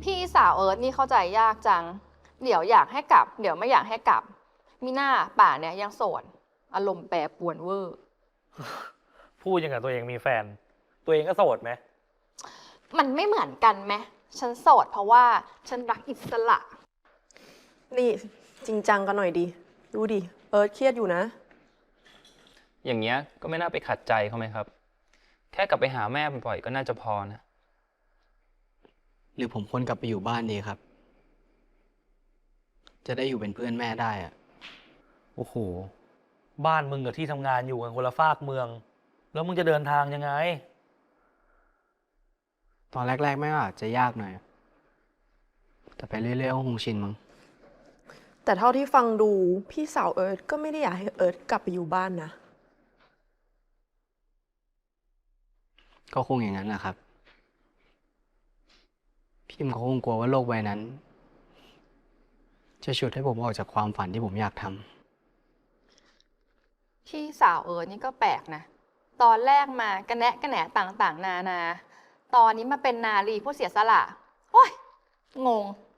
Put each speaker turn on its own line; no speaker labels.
พี่สาวเอิร์ธนี่เข้าใจยากจัง เดี๋ยวอยากให้กลับ เดี๋ยวไม่อยากให้กลับมีหน้าป่าเนี่ยยังโสดอารมณ์แปรปรวนเวอร์
พูดอย่างกับตัวเองมีแฟน ตัวเองก็โสดไหม
มันไม่เหมือนกันไหมฉันโสดเพราะว่าฉันรักอิสระ
นี่จริงจังกันหน่อยดิ ดูดิ เอิร์ธเครียดอยู่นะ
อย่างเงี้ยก็ไม่น่าไปขัดใจเขาไหมครับ แค่กลับไปหาแม่บ่อยๆก็น่าจะพอนะ
หรือผมควรกลับไปอยู่บ้านดีครับ จะได้อยู่เป็นเพื่อนแม่ได้อะ
โอ้โห บ้านมึงกับที่ทำงานอยู่กันคนละฟากเมือง แล้วมึงจะเดินทางยังไง
ตอนแรกๆแม่ก็อาจจะยากหน่อย แต่ไปเรื่อยๆก็คงชินมั้ง
แต่เท่าที่ฟังดูพี่สาวเอิร์ธก็ไม่ได้อยากให้เอิร์ธกลับไปอยู่บ้านนะ
ก็คงอย่างนั้นแหละครับ พิมเขาคงกลัวว่าโลกใบนั้น จะฉุดให้ผมออกจากความฝันที่ผมอยากทำ
พี่สาวเอิร์ธนี่ก็แปลกนะ ตอนแรกมากระแนะกระแหนต่างๆ นานา ตอนนี้มาเป็นนารีผู้เสียสละ โอ้ย งง